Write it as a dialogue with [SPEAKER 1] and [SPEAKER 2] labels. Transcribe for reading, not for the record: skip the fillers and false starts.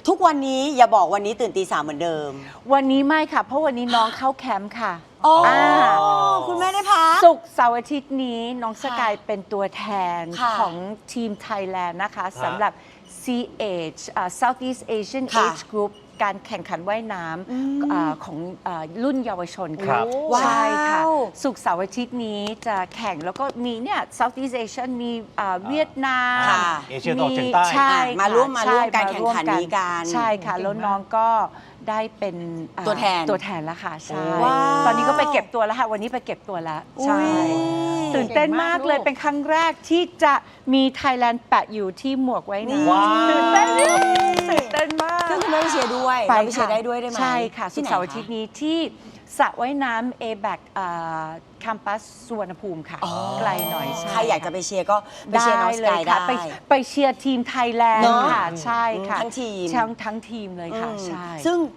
[SPEAKER 1] ทุกวันนี้อย่าบอกวันนี้ตื่นตี 3เหมือนเดิม
[SPEAKER 2] วันนี้ไม่ค่ะเพราะวันนี้น้องเข้าแคมป์ค่ะ
[SPEAKER 1] คุณแม่ได้พัก
[SPEAKER 2] ศุกร์เสาร์อาทิตย์นี้น้องสกายเป็นตัวแทนของทีมไทยแลนด์นะคะสำหรับ CH Southeast Asian Age Group การแข่งขันว่ายน้ำของรุ่นเยาวชนค่ะใช่ค่ะศุกร์เสาร์อาทิตย์นี้จะแข่งแล้วก็มีเนี่ย Southeast Asian มีเวียดนาม
[SPEAKER 3] เอเชียตะวันออกเฉียงใต้
[SPEAKER 1] ใช่มาร่วมการแข่งขันนี้กัน
[SPEAKER 2] ใช่ค่ะแล้วน้องก็ได้เป็น
[SPEAKER 1] ตัวแทน
[SPEAKER 2] แล้วค่ะใช่ตอนนี้ก็ไปเก็บตัวแล้วค่ะวันนี้ไปเก็บตัวแล้วใช่ตื่นเต้นมากเลยเป็นครั้งแรกที่จะมีไทยแลนด์แปะอยู่ที่หมวกไว้นะตื่นเต้นมาก
[SPEAKER 1] ซึ่งคุณแม่ไปเชียร์ด้วยไปเชียร์ได้ไหม
[SPEAKER 2] ใช่ค่ะศุกร์เสาร์อาทิตย์นี้ที่สระว่ายน้ำ A-Back คัมปัสสุวรรณภูมิค่ะไกลหน่อย
[SPEAKER 1] ใครอยากจะไปเชียร์ก็ไปเชียร์น้องสกายได้
[SPEAKER 2] ไปเชียร์ทีมไทยแลนด์ค่ะใช่ค่ะ
[SPEAKER 1] ทั้งทีม
[SPEAKER 2] ทั้งทีมเลยค่ะใช่
[SPEAKER 1] ซึ่ง